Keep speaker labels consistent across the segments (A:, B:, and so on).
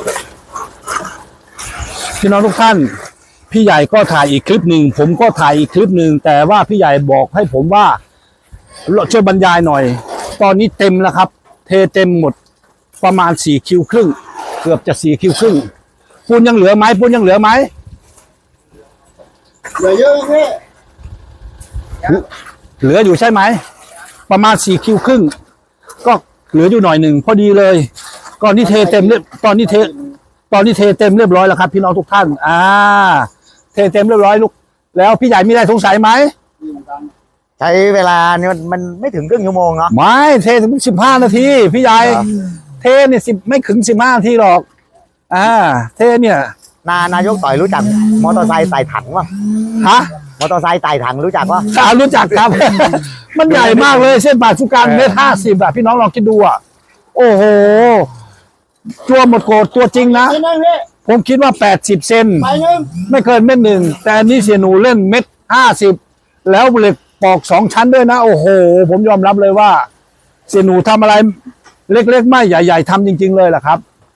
A: พี่น้องทุกท่านพี่ใหญ่ก็ถ่ายอีกคลิปหนึ่งผมก็ถ่ายอีกคลิปหนึ่งแต่ว่าพี่ใหญ่บอกให้ผมว่าช่วยบรรยายหน่อยตอนนี้เต็มแล้วครับเทเต็มหมดประมาณ4 คิวครึ่งเกือบจะ4 คิวครึ่งปูนยังเหลือไหมปูนยังเหลือไหม
B: เหลือเยอะพี่
A: เหลืออยู่ใช่ไหมประมาณ4 คิวครึ่งก็เหลืออยู่หน่อยหนึ่งพอดีเลยก่อนที่เทเต็มเรียบตอนนี้เทเต็มเรียบร้อยแล้วครับพี่น้องทุกท่านเทเต็มเรียบร้อยลูกแล้วพี่ใหญ่มีอะไรสงสัยไหม
C: ใช้เวลาเนี่ยมันไม่ถึงครึ่งชั่วโมงเนาะ
A: ไม่เทถึง15 นาทีพี่ใหญ่เทเนี่ยไม่ถึง15 นาทีหรอกเทเนี่ย
C: นายกต่อยรู้จักมอเตอร์ไซค์ไต่ถังป่ะ
A: ฮะ
C: มอเตอร์ไซค์ไต่ถังรู้จักป่ะ
A: รู้จักครับ มันใหญ่มากเลยเส้นผ่านศูนย์กลางเมตร50พี่น้องลองคิดดูโอ้โหตัวหมดโกรธตัวจริงนะผมคิดว่า80 เซนไม่เกิน1 เมตรแต่อันนี้เสียหนูเล่น1.50 แล้วเหล็กปอก2 ชั้นด้วยนะโอ้โหผมยอมรับเลยว่าเสียหนูทำอะไรเล็กๆไม่ใหญ่ๆทำจริงๆเลยแหละครับ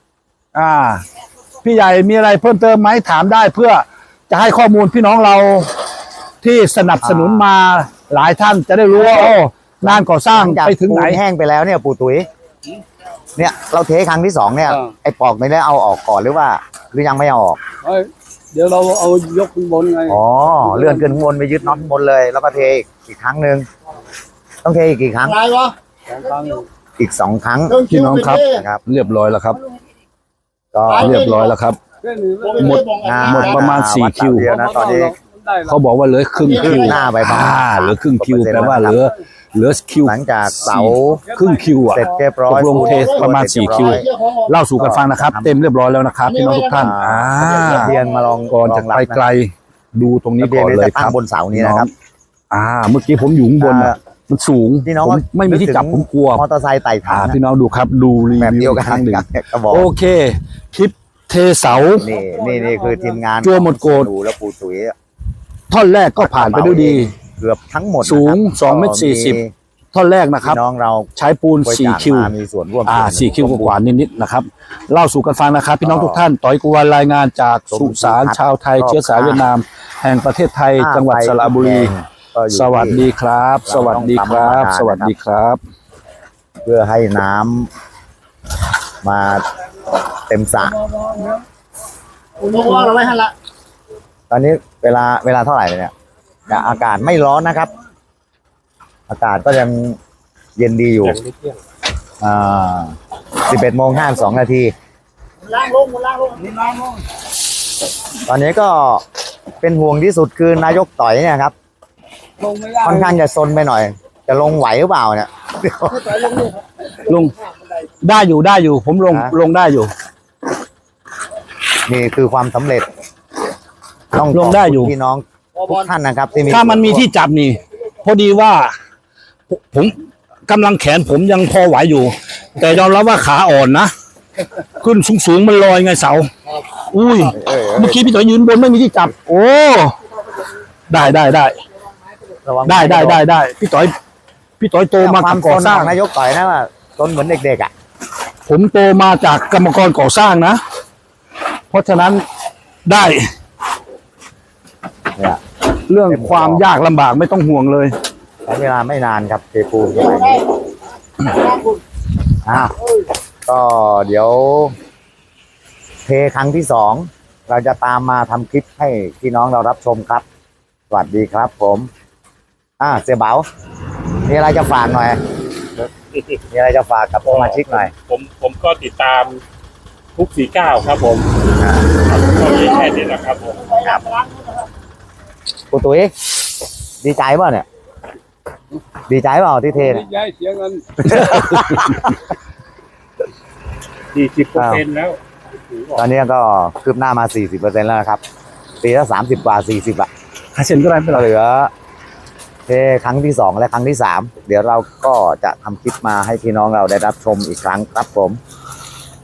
A: พี่ใหญ่มีอะไรเพิ่มเติมไหมถามได้เพื่อจะให้ข้อมูลพี่น้องเราที่สนับสนุนมาหลายท่านจะได้รู้ว่างานก่อสร้างไปถึงไหน
C: แห้งไปแล้วเนี่ยปู่ตุ๋ยเนี่ยเราเทครั้งที่2เนี่ยไอ้ปอกไม่ได้เอาออกก่อนหรือว่าหรือยังไม่เอาออก
B: เดี๋ยวเราเอายกขึ้นบนไง
C: เลื่อนขึ้นบนไปยึดน็อตบนเลยแล้วก็เทอีกครั้งหนึ่งต้องเทอีกกี่ครั้งอีก2 ครั้ง
A: พี่น้องครับเรียบร้อยแล้วครับก็เรียบร้อยแล้วครับหมดประมาณ4 คิว
C: นะตอนนี้
A: เขาบอกว่าเหลือครึ่งคิว
C: หน้าไป
A: เหลือครึ่งคิวแปลว่าเหลือคิว
C: หลังจากเสา
A: ครึ่งคิว
C: เสร็จเรียบร้อย
A: ลงเทสประมาณ4 คิวเล่าสู่กันฟังนะครับเต็มเรียบร้อยแล้วนะครับพี่น้องทุกท่าน
C: เรียนมาลอง
A: ก่อนจะไปไกลดูตรงนี้ก่อนเลยครับ
C: บนเสานี้นะครับ
A: เมื่อกี้ผมอยู่ข้างบนมันสูงผมไม่มีที่จับผมกลัว
C: มอเตอร์ไซค์ไต่ถัง
A: พี่น้องดูครับดูรีวิวครั้งหนึ่งโอเคคลิปเทเสา
C: นี่คือทีมงาน
A: จัวหมดโกรธ
C: แล้วปู่ตุ๋ย
A: ท่อนแรกก็ผ่านไปด้วยดี
C: เกือบทั้งหมด
A: สูง2.40 ท่อนแรกนะครับ
C: น้องเรา
A: ใช้ปูน4 คิว
C: มีส่วนร่วม
A: 4 คิวกว่านิดๆนะครับเล่าสู่กันฟังนะครับพี่น้องทุกท่านต่อยกวนรายงานจากสุสานชาวไทยเชื้อสายเวียดนามแห่งประเทศไทยจังหวัดสระบุรีสวัสดีครับสวัสดีครับสวัสดีครับ
C: เพื่อให้น้ำมาเต็มสระ
B: เราไว้ให้ละ
C: ตอนนี้เวลาเท่าไหร่เนี่ยอากาศไม่ร้อนนะครับอากาศก็ยังเย็นดีอยู่11:52 นาที
B: ล้างลง
C: ตอนนี้ก็เป็นห่วงที่สุดคือนายกต่อยเนี่ยครับค่อนข้างจะซนไปหน่อยจะลงไหวหรือเปล่าเนี่ย
A: ลงได้อยู่ผมลงได้อยู่
C: นี่คือความสำเร็จต้อง
A: ลงได้อยู่
C: พี่น้องทุกท่านนะครับ
A: ถ้ามันมีที่จับนี่พอดีว่าผมกำลังแขนผมยังพอไหวอยู่แต่ยอมรับว่าขาอ่อนนะขึ้นสูงมันลอยไงเสาอุ้ยเมื่อกี้พี่ต่อยยืนบนไม่มีที่จับโอ้ได้พี่ต่อยโตมากับก่อสร้าง
C: นายกต่อยนะว่าตนเหมือนเด็กๆ
A: ผมโตมาจากกรรมกรก่อสร้างนะเพราะฉะนั้นได้เรื่องความยากลำบากไม่ต้องห่วงเลย
C: ใช้เวลาไม่นานครับเทปูนอย่างนี้ก็เดี๋ยวเทครั้งที่2เราจะตามมาทำคลิปให้พี่น้องเรารับชมครับสวัสดีครับผมเสี่ยเบามีอะไรจะฝากหน่อยมีอะไรจะฝากกับสมาชิกหน่อย
D: ผมก็ติดตามทุก49ครับผมก็มีแค่นี้แหละครับผม
C: ครับปู่ตุ๋ยดีใจป่ะเนี่ยดีใจเปล่าที่เท
B: ดีใจเสียเงิน
D: 40%แล้ว
C: ตอนนี้ก็คืบหน้ามา 40% แล้วนะครับปีละ30 กว่า40อ่ะ
A: 5%ก็ได้ไม่
C: เหลือเทครั้งที่2และครั้งที่3เดี๋ยวเราก็จะทำคลิปมาให้พี่น้องเราได้รับชมอีกครั้งครับผม